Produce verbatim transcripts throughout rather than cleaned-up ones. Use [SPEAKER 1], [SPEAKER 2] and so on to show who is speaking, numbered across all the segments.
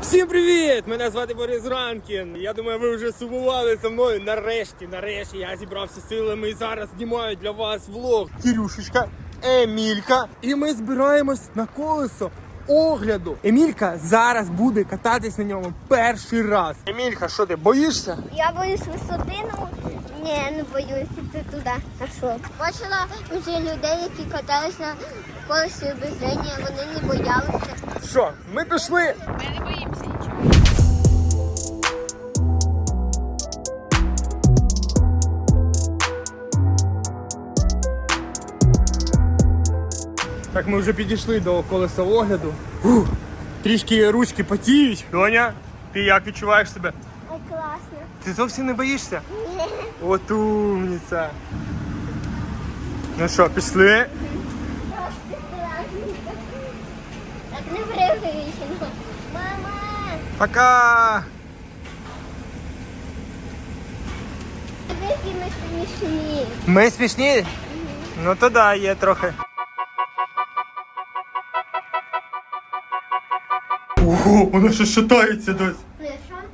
[SPEAKER 1] Всім привіт! Мене звати Борис Ранкін. Я думаю, ви вже сумували за мною. Нарешті, нарешті я зібрався силами і зараз знімаю для вас влог. Кирюшечка, Емілька. І ми збираємось на колесо огляду. Емілька зараз буде кататись на ньому перший раз. Емілька, що ти, боїшся?
[SPEAKER 2] Я боюсь висоти, ну ні, не боюсь іти туди. А що? Бачила вже людей, які катались на колесі без зрення, вони не боялися.
[SPEAKER 1] Що, ми пішли?
[SPEAKER 3] Ми не боїмося нічого.
[SPEAKER 1] Так, ми вже підійшли до колеса огляду. Фух, трішки ручки потіють. Доня, ти як відчуваєш себе?
[SPEAKER 2] Ой, класно.
[SPEAKER 1] Ти зовсім не боїшся? От умниця. Ну що, пішли?
[SPEAKER 2] Просто страшно. Так не привично. Мама!
[SPEAKER 1] Пока!
[SPEAKER 2] Які ми смішні.
[SPEAKER 1] Ми смішні? Ну то да, є трохи. Ого, воно ще шатається дось.
[SPEAKER 2] Ну і що?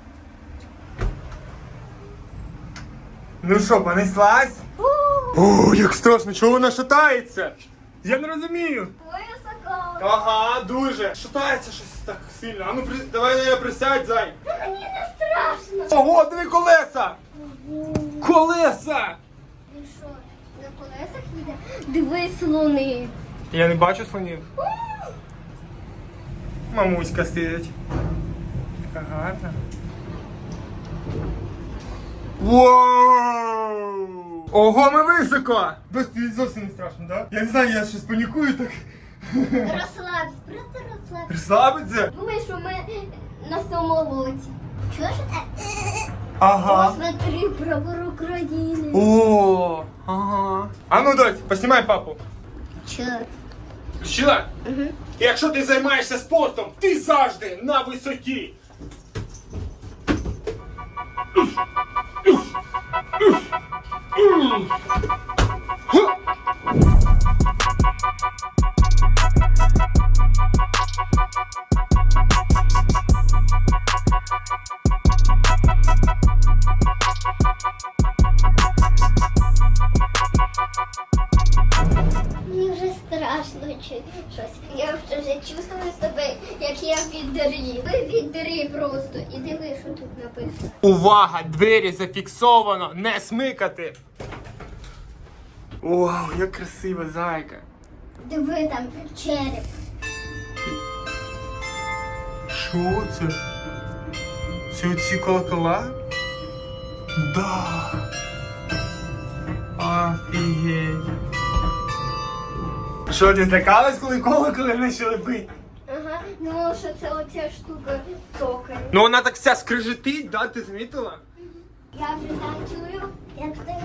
[SPEAKER 1] Ну що, понеслась? О, як страшно, чого вона шатається? Я не розумію.
[SPEAKER 2] Високо.
[SPEAKER 1] Ага, дуже. Шатається щось так сильно. А ну при... давай на я присядь, зай.
[SPEAKER 2] Мені не страшно.
[SPEAKER 1] Ого, диви колеса! Колеса!
[SPEAKER 2] Ти що, на колесах їде? Дивись, слони.
[SPEAKER 1] Я не бачу слонів. Мамуська сидить. Така гарна. Воу! Ого, ми високо! Без тобі зовсім не страшно, так? Да? Я не знаю, я щось панікую так.
[SPEAKER 2] Розслабся, просто розслабся.
[SPEAKER 1] Розслабиться?
[SPEAKER 2] Думай, що ми на самолоті. Чого ж це?
[SPEAKER 1] Ага.
[SPEAKER 2] Посмотри, прапор України.
[SPEAKER 1] О, ага. А ну, дось, поснімай папу.
[SPEAKER 2] Чого?
[SPEAKER 1] Включила? Угу. Якщо ти займаєшся спортом, ти завжди на висоті.
[SPEAKER 2] Мені вже страшно чи щось. Я вже чувствую себе, як я в відрі. Ви в відрі просто. І диви, що тут написано.
[SPEAKER 1] Увага! Двері зафіксовано! Не смикати! Вау, як красива зайка!
[SPEAKER 2] Диви там череп.
[SPEAKER 1] Що це? Це оці колокола? Да! Офігеть! Що, ти злякалась, коли колоколи почали бити?
[SPEAKER 2] Ага, ну що це оця штука цокає.
[SPEAKER 1] Ну вона так вся скрижетить, да, ти замітила?
[SPEAKER 2] Я вже там чую, як ти.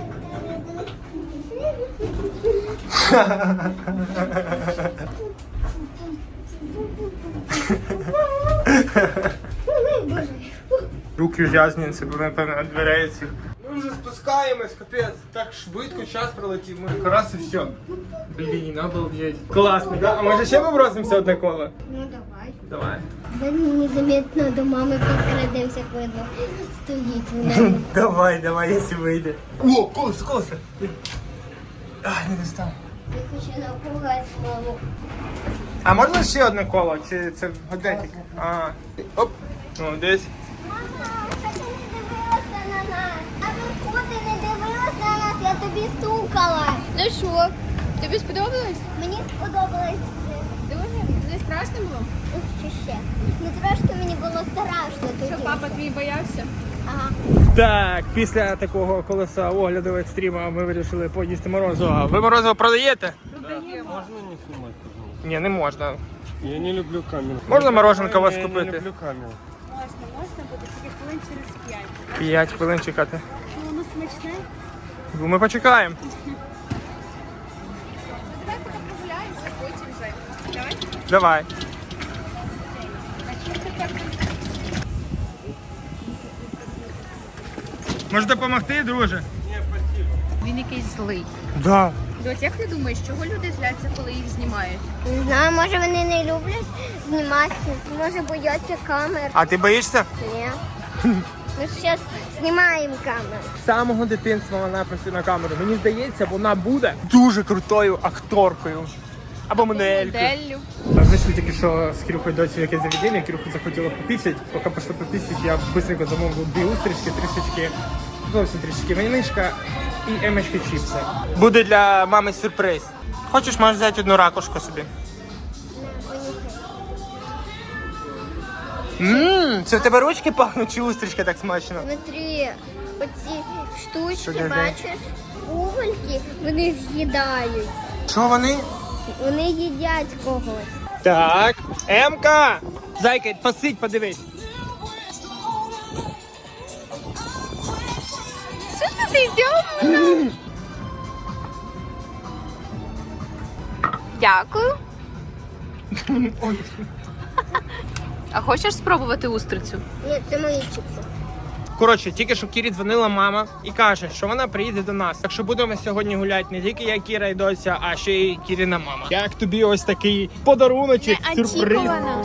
[SPEAKER 1] Руки в'язні, це напевно від дверей цих. Ми вже спускаємось, капець. Так швидко час пролетів, ми раз і все. Блін, обалдеть. Класно, да? А може ще побросимося одне коло?
[SPEAKER 2] Ну давай.
[SPEAKER 1] Давай.
[SPEAKER 2] Да незаметно до мами підкрадемося, коли стоїть вона.
[SPEAKER 1] Давай, давай, якщо вийде. О, колесо, колесо. Ай, не достав.
[SPEAKER 2] Я хочу напугати маму.
[SPEAKER 1] А можна ще одне коло? Чи це годинник? А, оп. Ну, десь.
[SPEAKER 2] Мама, а ти не дивилася на нас. А ви ти не дивилась на нас, я тобі стукала.
[SPEAKER 3] Ну що, тобі сподобалось?
[SPEAKER 2] Мені сподобалось.
[SPEAKER 3] Дуже? Не страшно було?
[SPEAKER 2] Ух, чи ще. Ну трошки мені було страшно тоді.
[SPEAKER 3] Що папа твій боявся?
[SPEAKER 2] Ага.
[SPEAKER 1] Так, після такого колеса огляду екстріма ми вирішили поїсти морозиво. Ви морозиво продаєте?
[SPEAKER 3] Продаємо.
[SPEAKER 4] Можно не снимать, пожалуйста?
[SPEAKER 1] Ні, не можна.
[SPEAKER 4] Я не люблю камеру.
[SPEAKER 1] Можна мороженка у вас
[SPEAKER 4] Я
[SPEAKER 1] купити?
[SPEAKER 4] не люблю камеру.
[SPEAKER 3] Можна, можна буде тільки хвилин через п'ять.
[SPEAKER 1] П'ять хвилин чекати.
[SPEAKER 3] Ну, воно смачне.
[SPEAKER 1] Ми почекаємо.
[SPEAKER 3] Давай поки прогуляємося, потім вже. Давай.
[SPEAKER 1] Давай. Може допомогти, друже?
[SPEAKER 3] Він якийсь злий.
[SPEAKER 1] Да.
[SPEAKER 3] Доць, як ти думаєш, чого люди зляться, коли їх знімають?
[SPEAKER 2] Не знаю, може вони не люблять зніматися, може бояться камер.
[SPEAKER 1] А ти боїшся?
[SPEAKER 2] Ні. Ми зараз знімаємо камеру.
[SPEAKER 1] З самого дитинства вона працює на камеру. Мені здається, вона буде дуже крутою акторкою. Або моделькою.
[SPEAKER 3] Моделлю.
[SPEAKER 1] Ми зайшли тільки що з Кирюхою дочі в якесь заведення, Кирюху захотіла попісять. Поки пішли попісять, я швидко замовив дві устрічки, трішечки, зовсім трішечки винишка і емочки чіпси. Буде для мами сюрприз. Хочеш, можеш взяти одну ракушку собі. Ммм, це в тебе ручки пахнуть чи устрічка так смачно?
[SPEAKER 2] Смотри, оці
[SPEAKER 1] Що
[SPEAKER 2] штучки,
[SPEAKER 1] це?
[SPEAKER 2] бачиш, угольки, вони з'їдають.
[SPEAKER 1] Що вони?
[SPEAKER 2] Вони їдять когось.
[SPEAKER 1] Так, Емка! Зайка, посидь, подивись.
[SPEAKER 3] Що це ти зробила? Дякую.
[SPEAKER 1] Ой.
[SPEAKER 3] А хочеш спробувати устрицю?
[SPEAKER 2] Ні, це мої чіпси.
[SPEAKER 1] Коротше, тільки що Кірі дзвонила мама і каже, що вона приїде до нас. Так що будемо сьогодні гуляти не тільки я, Кіра і Дося, а ще й Кіріна мама. Як тобі ось такий подаруночок, сюрприз?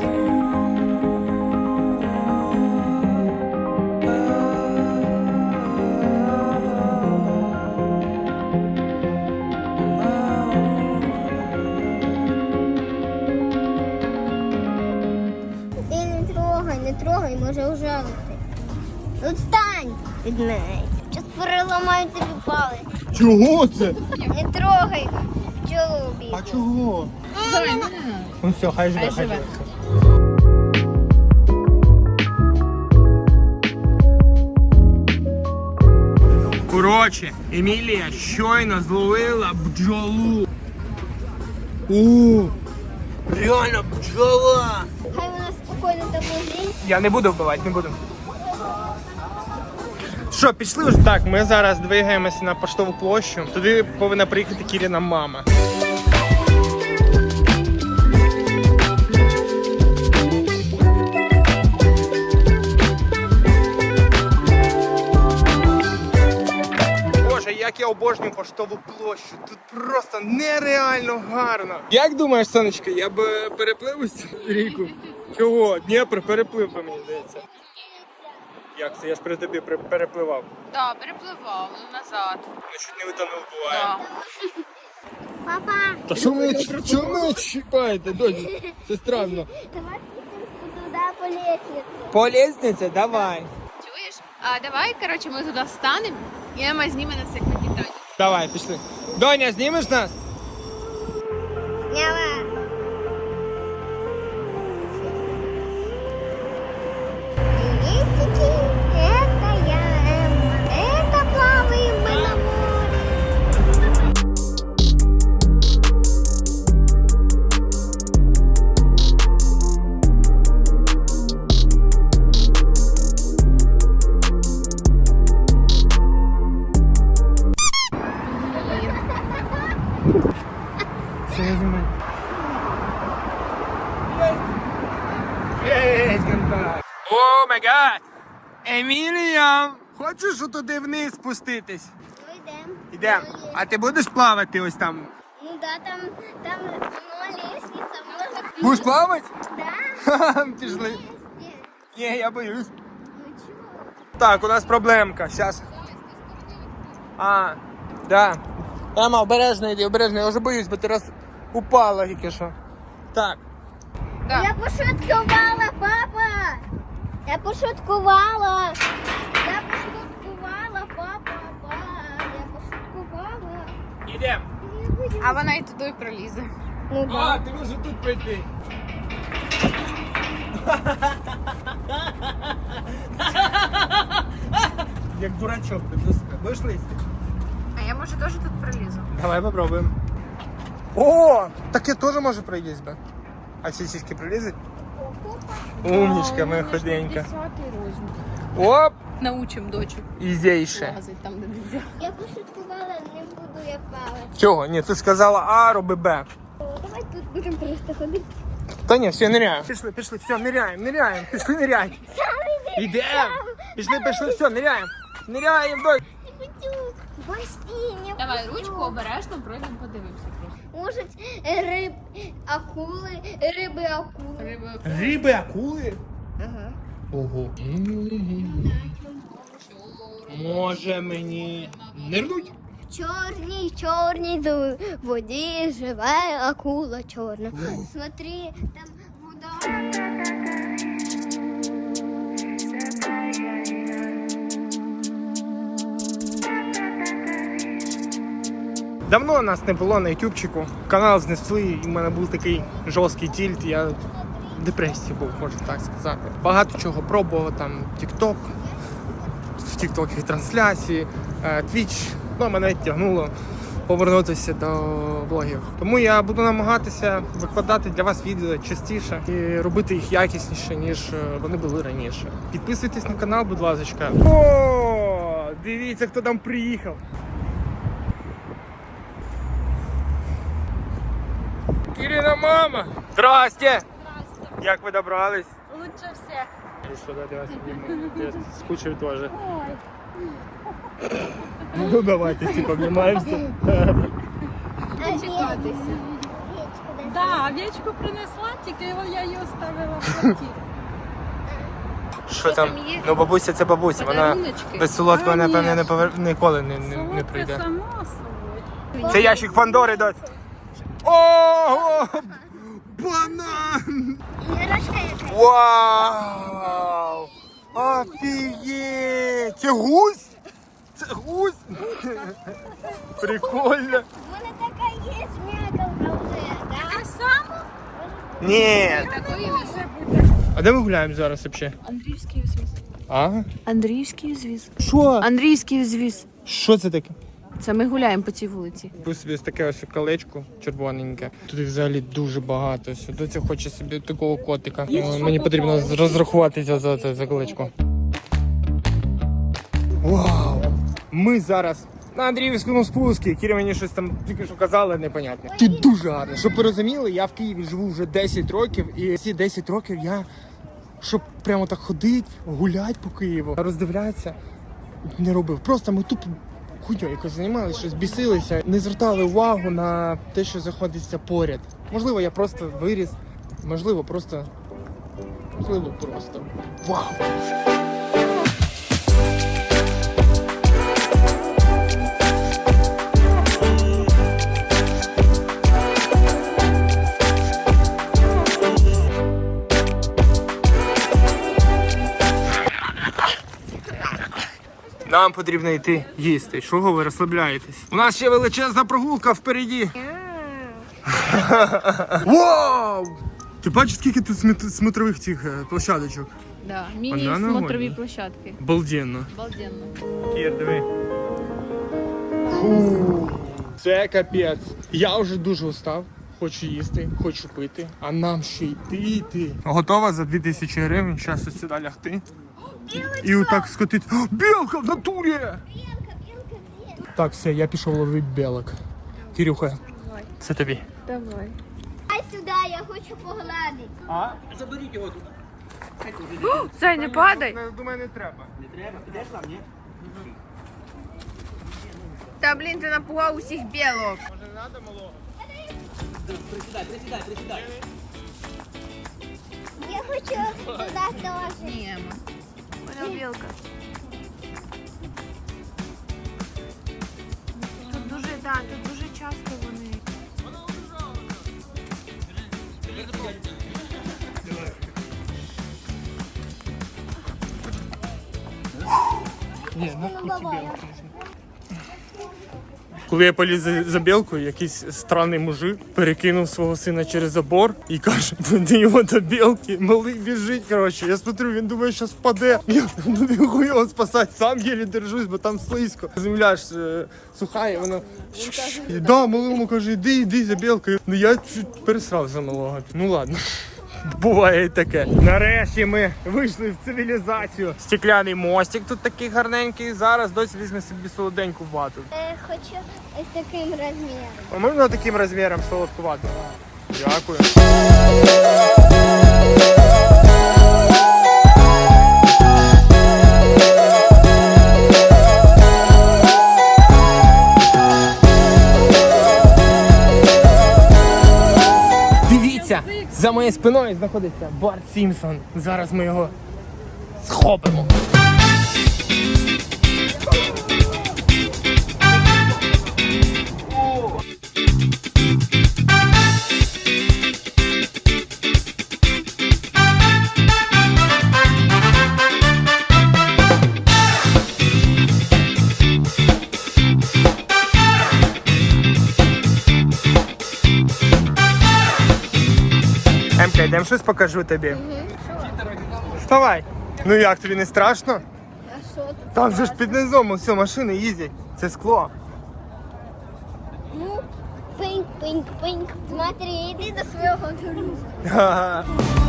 [SPEAKER 2] Ти не трогай, не трогай, може ужалити. От стань від неї. Щас переламаю тобі палець.
[SPEAKER 1] Чого це?
[SPEAKER 2] Не трогай пчолу бігу.
[SPEAKER 1] А чого? Ну все, хай живе, хай
[SPEAKER 3] живе.
[SPEAKER 1] живе. Коротше, Емілія щойно зловила бджолу. У, реально бджола.
[SPEAKER 2] Хай вона спокійно там лежить.
[SPEAKER 1] Я не буду вбивати, не буду. Що, пішли вже? Так, ми зараз двигаємося на Поштову площу. Туди повинна приїхати Кіріна мама. Боже, як я обожнюю Поштову площу. Тут просто нереально гарно. Як думаєш, сонечко, я б переплив ось цю ріку? Чого? Дніпр переплив би, мені здається. Як це? Я ж при тобі при- перепливав.
[SPEAKER 3] Так, перепливав назад.
[SPEAKER 1] Я чуть не витонув, буває.
[SPEAKER 2] Папа,
[SPEAKER 1] Та що ви, що ви чіпаєте, дочі? Це странно.
[SPEAKER 2] давай спустимся туди по лестниці.
[SPEAKER 1] По лестниці? Давай.
[SPEAKER 3] Чуєш? А давай, коротше, ми туди встанемо, і Ема зніме нас як на Титаніку.
[SPEAKER 1] Давай, пішли. Доня, знімеш нас?
[SPEAKER 2] Сняла. Это я, Эмма. Это плаваем мы на море.
[SPEAKER 1] Все, я знімаю. О май гад! Емілія! Хочеш туди вниз спуститись?
[SPEAKER 2] Ну, йдем.
[SPEAKER 1] Ідем. А ти будеш плавати ось там?
[SPEAKER 2] Ну да, там, там ну, лестница, может.
[SPEAKER 1] Будеш плавати?
[SPEAKER 2] Да.
[SPEAKER 1] Ха-ха, пішли.
[SPEAKER 2] Нет.
[SPEAKER 1] Ні, я боюсь.
[SPEAKER 2] Ну чего?
[SPEAKER 1] Так, у нас проблемка. Щас. А, да. Ема, обережно йди, обережно. Я вже боюсь, бо ти раз упала тільки що. Так.
[SPEAKER 3] Так.
[SPEAKER 2] Я пошуткувала, папа. Я пошуткувала. Я пошуткувала, папа, папа. Я пошуткувала.
[SPEAKER 1] Ідем.
[SPEAKER 2] Я боюсь.
[SPEAKER 3] А вона і туди пролізе.
[SPEAKER 2] Ну
[SPEAKER 1] А,
[SPEAKER 2] да.
[SPEAKER 1] ти можеш тут прийти. Як дурачок, ти просто будеш лізти?
[SPEAKER 3] А я, може, теж тут пролізу?
[SPEAKER 1] Давай попробуємо. О, таке теж може пройдись би. А ці сішки пролізуть? Умнічка моя худенька.
[SPEAKER 3] Десятий розмір.
[SPEAKER 1] Оп,
[SPEAKER 3] Научим дочу
[SPEAKER 1] ізейше.
[SPEAKER 3] лазить там, де нельзя.
[SPEAKER 2] Я пошуткувала, не буду я плавати.
[SPEAKER 1] Чого? Ні, ти сказала А, роби Б.
[SPEAKER 2] О, давай тут будемо просто ходити.
[SPEAKER 1] Та ні, все, ниряємо. Пішли, пішли, все, ниряємо, ниряємо. Пішли, ниряємо.
[SPEAKER 2] Сам іди.
[SPEAKER 1] Ідемо. Пішли, пішли, все, ниряємо. Ниряємо, дой.
[SPEAKER 2] Не хочу. Басейні.
[SPEAKER 3] Давай ручку обережно пройдемо, подивимося просто.
[SPEAKER 2] Можуть риб, акули, риби, акули.
[SPEAKER 3] Риби.
[SPEAKER 1] Риби, акули?
[SPEAKER 2] Ага.
[SPEAKER 1] Ого. Може мені нирнуть?
[SPEAKER 2] Чорній, чорній ду- воді живе акула чорна. Смотри, там вода.
[SPEAKER 1] Давно нас не було на ютубчику. Канал знесли, і в мене був такий жорсткий тільт. Я в депресії був, можна так сказати. Багато чого пробував, там TikTok, в тіктокі трансляції, Twitch. Ну, мене тягнуло повернутися до блогів. Тому я буду намагатися викладати для вас відео частіше і робити їх якісніше, ніж вони були раніше. Підписуйтесь на канал, будь ласка. О, дивіться, хто там приїхав. Кирина мама! Здрасте! Здрасте! Як ви добрались?
[SPEAKER 5] Лучше всех.
[SPEAKER 1] И что, да, я обниму. Я скучаю тоже. Ну давайте все обнимаемся.
[SPEAKER 5] Да, овечку принесла, тільки я її оставила в квартирі.
[SPEAKER 1] Що там? Ну бабуся це бабуся, вона
[SPEAKER 3] Подаруночки.
[SPEAKER 1] без солодкого,
[SPEAKER 5] Конечно.
[SPEAKER 1] напевне, не повер... ніколи не, не, не
[SPEAKER 5] Солодке
[SPEAKER 1] прийде.
[SPEAKER 5] само собою.
[SPEAKER 1] Це ящик Пандори, дать. Ого! Банан!
[SPEAKER 2] Іграшка якась.
[SPEAKER 1] Вау! Офігеть! Це гусь? Це гусь? Прикольно.
[SPEAKER 2] У мене така є м'якалка вже, да?
[SPEAKER 5] А саме?
[SPEAKER 1] Ні.
[SPEAKER 3] Такої не
[SPEAKER 1] А де ми гуляємо зараз взагалі?
[SPEAKER 3] Андріївський узвіз.
[SPEAKER 1] А?
[SPEAKER 3] Андріївський узвіз.
[SPEAKER 1] Що?
[SPEAKER 3] Андріївський узвіз.
[SPEAKER 1] Що це таке?
[SPEAKER 3] Це ми гуляємо по цій вулиці.
[SPEAKER 1] Купив собі ось таке ось колечко червоненьке. Тут їх взагалі дуже багато. Доця хоче собі такого котика. О, мені потрібно розрахуватися за це за колечко. Вау! Ми зараз на Андріївському спуску. Кіря мені щось там тільки що казала, непонятне. Тут дуже гарно. Щоб ви розуміли, я в Києві живу вже десять років, і ці десять років я, щоб прямо так ходити, гуляти по Києву, роздивлятися, не робив. Просто ми тупо хуйньою якось займалися, щось бісилися, не звертали увагу на те, що знаходиться поряд. Можливо, я просто виріс, можливо, просто. Можливо, просто. Вау! Нам потрібно йти їсти. Чого ви розслабляєтесь? У нас ще величезна прогулка впереді. Вау! Ти бачиш, скільки тут сміт- смотрових цих е, площадочок?
[SPEAKER 3] Да.
[SPEAKER 1] Вона
[SPEAKER 3] Міні-смотрові
[SPEAKER 1] нагодна.
[SPEAKER 3] площадки.
[SPEAKER 1] Балденно.
[SPEAKER 3] Обалденно.
[SPEAKER 1] Кір, диви. Фу. Це капець. Я вже дуже устав. Хочу їсти, хочу пити, а нам ще йти йти. Готова за дві тисячі гривень, зараз ось сюди лягти. І отак скотити. О, білка в натурі!
[SPEAKER 2] Білка, білка, білка.
[SPEAKER 1] Так, все, я пішов ловити білок. Кирюха, це тобі.
[SPEAKER 3] Давай.
[SPEAKER 2] Дай сюди, я хочу погладити.
[SPEAKER 1] А?
[SPEAKER 3] Зай, не падай.
[SPEAKER 1] Думаю, не треба.
[SPEAKER 3] Та, блін, ти напугав усіх білок.
[SPEAKER 1] Може не треба малого?
[SPEAKER 2] Я хочу туди теж.
[SPEAKER 3] Ні, вона білка. Тут дуже, да, тут дуже часто вони.
[SPEAKER 1] Ні, ну хуті білку. Коли я поліз за, за білкою, якийсь странний мужик перекинув свого сина через забор і каже, веди його до білки, малий біжить, коротше. Я смотрю, він думає, що впаде. Я не бігу його спасати, сам єлі держусь, бо там слизько. Земля ж е, суха, і вона... І да, малому каже, іди, іди за білкою. Ну я чуть пересрав за малого. Ну ладно. Буває і таке. Нарешті ми вийшли в цивілізацію. Стекляний мостик тут такий гарненький. Зараз досі візьме собі солоденьку вату.
[SPEAKER 2] Е, Хочу ось таким розміром.
[SPEAKER 1] А можна таким розміром солодкувати? Дякую. моєю спиною знаходиться Барт Сімпсон. Зараз ми його схопимо. Емка, йдемо щось покажу тобі. Вставай. Ну як, тобі не страшно?
[SPEAKER 2] А що тут?
[SPEAKER 1] Там же ж під низом усе машини їздять. Це скло.
[SPEAKER 2] Ну, пинк, пинк, пинк. Смотри, йди до свого друга.
[SPEAKER 1] Ага.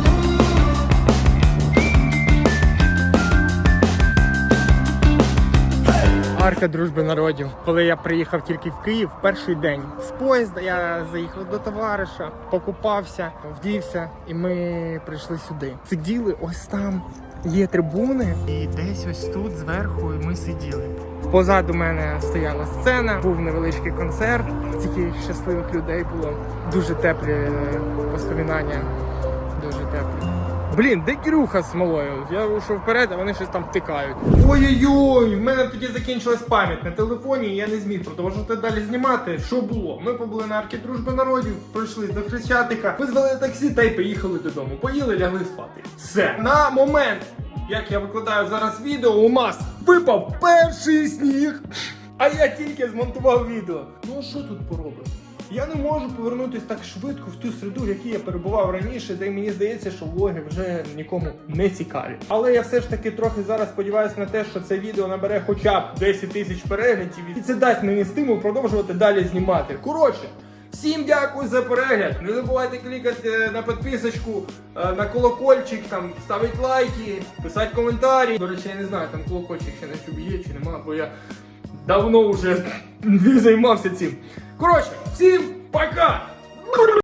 [SPEAKER 1] Арка дружби народів. Коли я приїхав тільки в Київ, перший день з поїзда я заїхав до товариша, покупався, вдівся, і ми прийшли сюди. Сиділи ось там. Є трибуни, і десь ось тут зверху ми сиділи. Позаду мене стояла сцена, був невеличкий концерт. Таких щасливих людей було. Дуже теплі е, воспоминання. Дуже теплі. Блін, де Кирюха з малою? Я вийшов вперед, а вони щось там втикають. Ой-ой-ой, в мене тоді закінчилась пам'ять на телефоні, і я не зміг продовжувати далі знімати. Що було? Ми побули на Аркі дружби народів, пройшли до Хрещатика, визвали таксі та й поїхали додому. Поїли, лягли спати. Все. На момент, як я викладаю зараз відео, у нас випав перший сніг. А я тільки змонтував відео. Ну а що тут поробиш? Я не можу повернутися так швидко в ту середу, в якій я перебував раніше, де мені здається, що влоги вже нікому не цікаві. Але я все ж таки трохи зараз сподіваюся на те, що це відео набере хоча б десять тисяч переглядів, і це дасть мені стимул продовжувати далі знімати. Коротше, всім дякую за перегляд. Не забувайте клікати на підписочку, на колокольчик, там ставити лайки, писати коментарі. До речі, я не знаю, там колокольчик ще на ютубі є чи нема, бо я давно вже не займався цим. Коротше, всім пока!